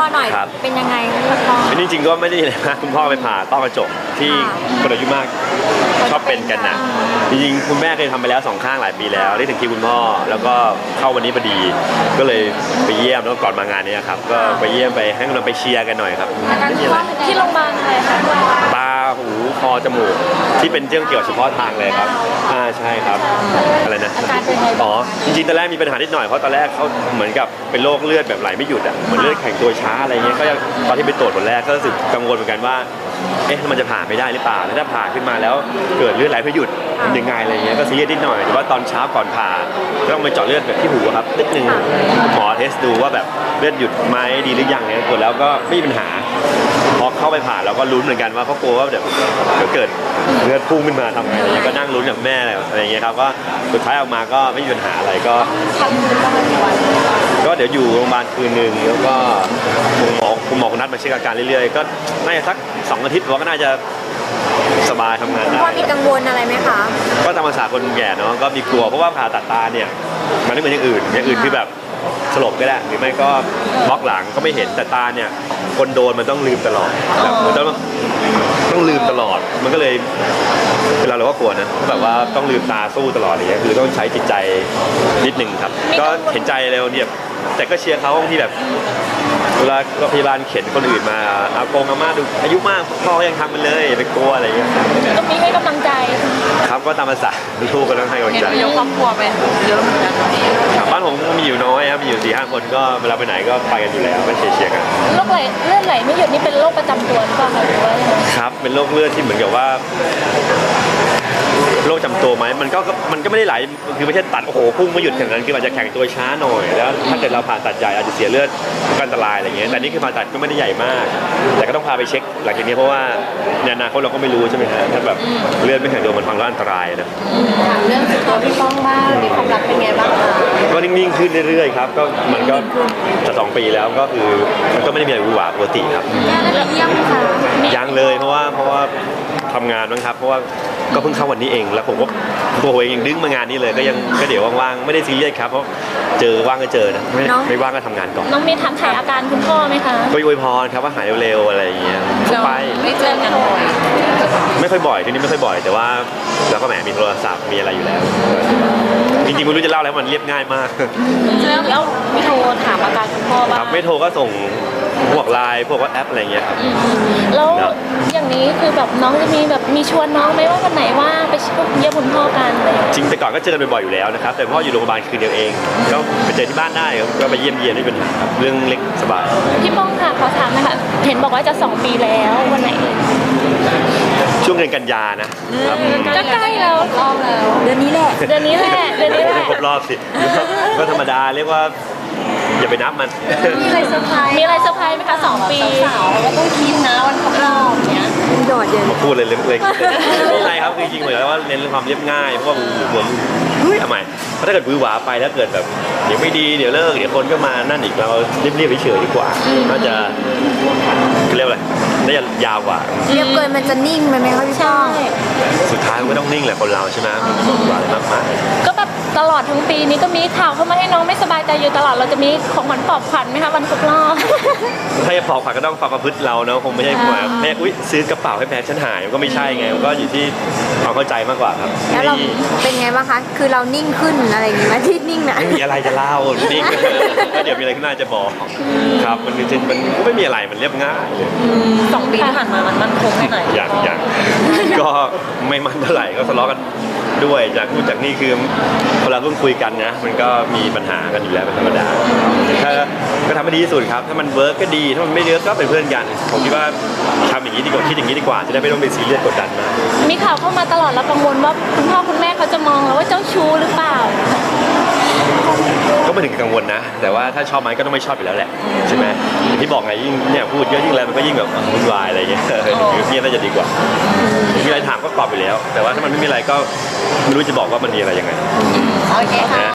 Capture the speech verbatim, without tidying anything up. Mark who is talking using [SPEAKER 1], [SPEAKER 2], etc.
[SPEAKER 1] หน่อยเป็นยังไงคุณพ่อ
[SPEAKER 2] จริงๆก็ไม่ได้เลยนะคุณพ่อไปผ่าต้อกระจกที่คนอายุมากชอบเป็นกันนะจริงๆคุณแม่เคยทำไปแล้วสองข้างหลายปีแล้วได้ถึงคิวคุณพ่อแล้วก็เข้าวันนี้พอดีก็เลยไปเยี่ยมแล้วก่อนมางานนี้ครับก็ไปเยี่ยมไปให้กำลังไปเชียร์กันหน่อยครับ
[SPEAKER 1] ที่โรงพยาบาลอะไรคะ
[SPEAKER 2] ตาหูคอจมูกที่เป็นเรื่องเกี่ยวเฉพาะทางเลยครับอ่าใช่ครับอะไรนะอ๋อจริงๆตอนแรกมีปัญหานิดหน่อยเพราะตอนแรกเขาเหมือนกับเป็นโรคเลือดแบบไหลไม่หยุดอ่ะเหมือนเลือดแข็งตัวช้าอะไรเงี้ยก็ตอนที่ไปตรวจผลแรกก็รู้สึกกังวลเหมือนกันว่าเอ๊ะมันจะผ่าไม่ได้หรือเปล่าแล้วถ้าผ่าขึ้นมาแล้วเกิดเลือดไหลไม่หยุดยังไงอะไรเงี้ยก็ซีเรียสนิดหน่อยแต่ว่าตอนเช้าก่อนผ่าต้องไปเจาะเลือดแบบที่หูครับนิดนึงหมอเทสดูว่าแบบเลือดหยุดไหมดีหรือยังเนี่ยตรวจแล้วก็ไม่มีปัญหาพอเข้าไปผ่าเราก็ลุ้นเหมือนกันว่าเขากลัวว่าเดี๋ยวเกิดเลือดพุ่งขึ้นมาทำไงอะไรก็นั่งลุ้นกับแม่อะไรอย่างเงี้ยครับก็สุดท้ายออกมาก็ไม่มีปัญหาอะไรก็ก็เดี๋ยวอยู่โรงพยาบาลคืนหนึ่งแล้วก็คุณหมอคุณหมอคุณนัดมาเช็คอาการเรื่อยๆก็น่าจะสักสองอาทิตย์ว่าก็น่าจะสบายทำงานได้
[SPEAKER 1] พ่อมีกังวลอะไรไหมคะ
[SPEAKER 2] ก็ตามภาษาคนแก่เนาะก็มีกลัวเพราะว่าผ่าตัดตาเนี่ยมันไม่เหมือนอย่างอื่นอย่างอื่นคือแบบสลบก็ได้หรือไม่ก็บล็อกหลังก็ไม่เห็นแต่ตาเนี่ยคนโดนมันต้องลืมตลอดแบบมันต้องต้องลืมตลอดมันก็เลยเวลาเราก็กลัวนะแบบว่าต้องลืมตาสู้ตลอดอย่างเงี้ยคือต้องใช้จิตใจนิดนึงครับก็เห็นใจเร็วเนี่ยแต่ก็เชียร์เขาที่แบบเวลาพยาบาลเข็นคนอื่นมาอากงอาม่าดูอายุมากพ่อยังทำมันเลยอย่าไปกลัวอะไรอย่างเงี้ย
[SPEAKER 1] ก็มีให้กำลังใจ
[SPEAKER 2] ครับก็ตามภาษาลูกก็ต้องให้กำลังใจ
[SPEAKER 3] เห็นยกครอบครัวไปเยอะเหมือนกัน
[SPEAKER 2] บ้านผมมีอยู่น้อยครับมีอยู่สี่ห้าคนก็เวลาไปไหนก็ไปกันอยู่แล้วก็เชียร์เชียร์กัน
[SPEAKER 1] โรคไหลเลือดไหลไม่หยุดนี่เป็นโรคประจำตัวหรือเปล่าคะหรือว่า
[SPEAKER 2] ครับเป็นโรคเลือดที่เหมือนกับว่าโรคจำตัวไหมมันก็มันก็ไม่ได้ไหลคือไม่ใช่ตัดโอ้โหพุ่งไม่หยุดอย่างนั้นคืออาจจะแข็งตัวช้าหน่อยแล้วถ้าเกิดเราผ่าตัดใหญ่อาจจะเสียเลือดก็อันตรายอะไรเงี้ยแต่นี่คือผ่าตัดก็ไม่ได้ใหญ่มากแต่ก็ต้องพาไปเช็คหลังจากนี้เพราะว่าในอนาคตเราก็ไม่รู้ใช่ไหมฮะถ้าแบบเลือดไม่แข็งตัวมันฟังแล้วอันตรายนะ
[SPEAKER 3] เรื่องสุขภาพพี่ป้องบ้างมีความรักเป็นไงบ้างคะ
[SPEAKER 2] ก็นิ่งๆขึ้นเรื่อยๆครับก็มันก็จะสองปีแล้วก็คือมันก็ไม่ได้มีอะไรหวือหวาปกติครับยังเลยเพราะว่าเพราะว่าทำงานบ้างครับเพราะว่าก็เพิ่งเข้าวันนี้เองแล้วผมก็ตัวผมเองยังดึงมางานนี้เลยก็ยังก็เดี๋ยวว่างๆไม่ได้ซีเรียสครับเพราะเจอว่างก็เจอนะไม่ไม่ว่างก็ทำงานก่อน
[SPEAKER 1] น้องมีถามถ่ายอาการคุณพ่อไหมคะ
[SPEAKER 2] ก็อวยพรครับว่าหายเร็วๆอะไรอย่างเงี้ยไป
[SPEAKER 3] ไม่เจอกันบ่อย
[SPEAKER 2] ไม่ค่อยบ่อยทีนี้ไม่ค่อยบ่อยแต่ว่าเราก็แหมมีโทรศัพท์มีอะไรอยู่แล้วจริงๆไม่รู้จะเล่าแล้วมันเรียบง่ายมาก
[SPEAKER 1] แล้วแล้วไม่โทรถามอาการคุณพ่อบ้าง
[SPEAKER 2] ครับไม่โทรก็ส่งพวกไลน์พวกว่าแอปอะไรเงี้ยครับ
[SPEAKER 1] แล้วอย่างนี้คือแบบน้องจะมีแบบมีชวนน้องไหมว่าวันไหนว่าไปเยี่ยมคุณพ่อกันอะไร
[SPEAKER 2] จริงแต่ก่อนก็เจอกันบ่อยๆอยู่แล้วนะครับแต่พ่ออยู่โรงพยาบาลคืนเดียวเองก็ไปเจอที่บ้านได้ก็ไปเยี่ยมเยียนไม่เป็นเรื่องเล็กสบาย
[SPEAKER 1] พี่ป้องค่ะขอถามนะคะเห็นบอกว่าจะสองปีแล้ววันไหน
[SPEAKER 2] ช่วงเดือนกันยานะครับ
[SPEAKER 1] ก็ใกล้แล้วเดือนนี้แหละเดือนนี้แหละเดือนนี้แหละ
[SPEAKER 2] ครบรอบสิก็ธรรมดาเรียกว่าอย่าไปนับมัน
[SPEAKER 1] มีอะไรเซอร์ไพรส์มีอะไรเซอร์ไพรส์ไหมคะสองปี
[SPEAKER 3] สาวเราก็ต้องคิดนะวันครบรอบเนี้ย
[SPEAKER 1] โดดเด่น
[SPEAKER 2] พูดเลยเล็กๆไม่ใช่ครับจริงๆเหมือนว่าเน้นเรื่องความเรียบง่ายเพราะว่าเหมือนเฮ้ยทำไมเพราะถ้าเกิดบื้อหวาไปแล้วเกิดแบบเดี๋ยวไม่ดีเดี๋ยวเลิกเดี๋ยวคนก็มานั่นอีกเราเรียบๆเฉยๆดีกว่าน่าจะเรียกอะไรน่าจะยาวกว่า
[SPEAKER 1] เรียบเกินมันจะนิ่งไหมไหมคะพี่ช่อง
[SPEAKER 2] สุดท้ายก็ต้องนิ่งแหละคนเราใช่ไหมหวานมากมาย
[SPEAKER 1] ก็แบบตลอดทั้งปีนี้ก็มีข่าวเข้ามาให้น้องไม่สบายใจอยู่ตลอดเราจะมีของขวัญปลอบขวัญไหมคะวันครบรอบ
[SPEAKER 2] ถ้าจะปลอบขวัญก็ต้องความประพฤติเราเนาะคงไม่ใช่ว่าแม่อุ้ยซื้อกระเป๋าให้แฟนฉันหายก็ไม่ใช่ไงก็อยู่ที่ความเข้าใจมากกว่าครับ
[SPEAKER 1] แล้วเราเป็นไงบ้างคะคือเรานิ่งขึ้นอะไรอย่างงี้ไหมที่นิ่งนะ
[SPEAKER 2] ไม่มีอะไรจะเล่านิ่งก็เดี๋ยวมีอะไรขึ้นมาจะบอกครับมันจริงมันก็ไม่มีอะไรมันเรียบง่าย
[SPEAKER 3] สองปีที่ผ่านมามันมั่นคงแค่ไหน
[SPEAKER 2] อย่างอย่างก็ไม่มั่นเท่าไหร่ก็ทะเลาะกันด้วยจากพูดจากนี่คือพอเราเพิ่งคุยกันนะมันก็มีปัญหากันอยู่แล้วเป็นธรรมดาถ้าก็ทำให้ดีที่สุดครับถ้ามันเวิร์กก็ดีถ้ามันไม่เวิร์กก็เป็นเพื่อนกันผมคิดว่าทำอย่างนี้ดีกว่าคิดอย่างนี้ดีกว่าจะได้ไม่ต้องเป็นซีเรียสกดดันมาก
[SPEAKER 1] มีข่าวเข้ามาตลอดแล้วกังวลว่าคุณพ่อคุณแม่เขาจะมองเราว่าเจ้าชู้หรือเปล่า
[SPEAKER 2] ก็ไม่ถึงกังวลนะแต่ว่าถ้าชอบไหมก็ต้องไม่ชอบอยู่แล้วแหละใช่ไหมที่บอกไงยิ่งเนี่ยพูดเยอะยิ่งอะไรมันก็ยิ่งแบบวุ่นวายอะไรอย่างเงี้ยเงียบน่าจะดีกว่ามีอะไรถามก็ตอบไปแล้วแต่ว่าถ้ามันไม่มีอะไรก็ไม่รู้จะบอกว่ามันมีอะไรยังไง
[SPEAKER 3] โอเคค่ะ